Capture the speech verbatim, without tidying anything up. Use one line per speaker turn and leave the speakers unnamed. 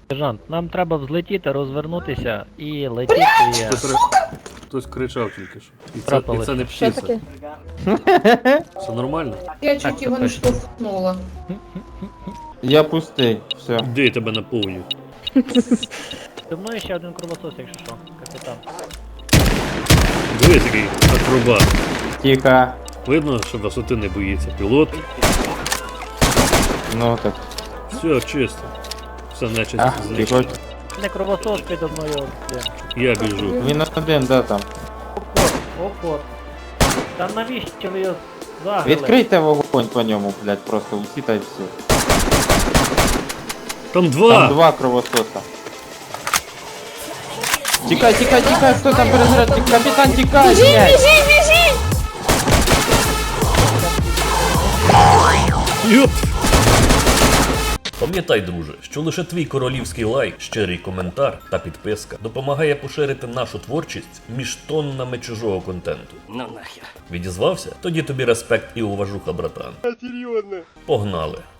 Сержант, нам треба взлетіти, розвернутися і летіти.
Хтось, ри- Хтось кричав тільки що. І це, і
Трапилось.
це не
Що
птиця.
таке?
Все нормально?
Я
Так,
чуть його
це
не
точно.
штовхнула.
Я пустий, все.
Де я тебе наповню?
Зі мною ще один кровосос, якщо що, капітан.
Диви такий акробат.
Тихо.
Видно, що висоти не боїться. Пілот.
Ну так.
Все, чисто. Все нечисть
Ах,
знищено.
тихо.
Не кровосос підо мною. блін.
Я біжу.
Він один, да, там.
Опор, опор. Та навіщо ви його заграли?
Відкрийте вогонь по ньому, блядь, просто усі та й все.
Там два!
Там два кровососа. Тікай, тікай, тікай, хто там перезаряд? Капітан, тікай, блядь!
Йоп!
Пам'ятай, друже, що лише твій королівський лайк, щирий коментар та підписка допомагає поширити нашу творчість між тоннами чужого контенту. Ну нахер. Відізвався? Тоді тобі респект і уважуха, братан. Серйозно? Погнали.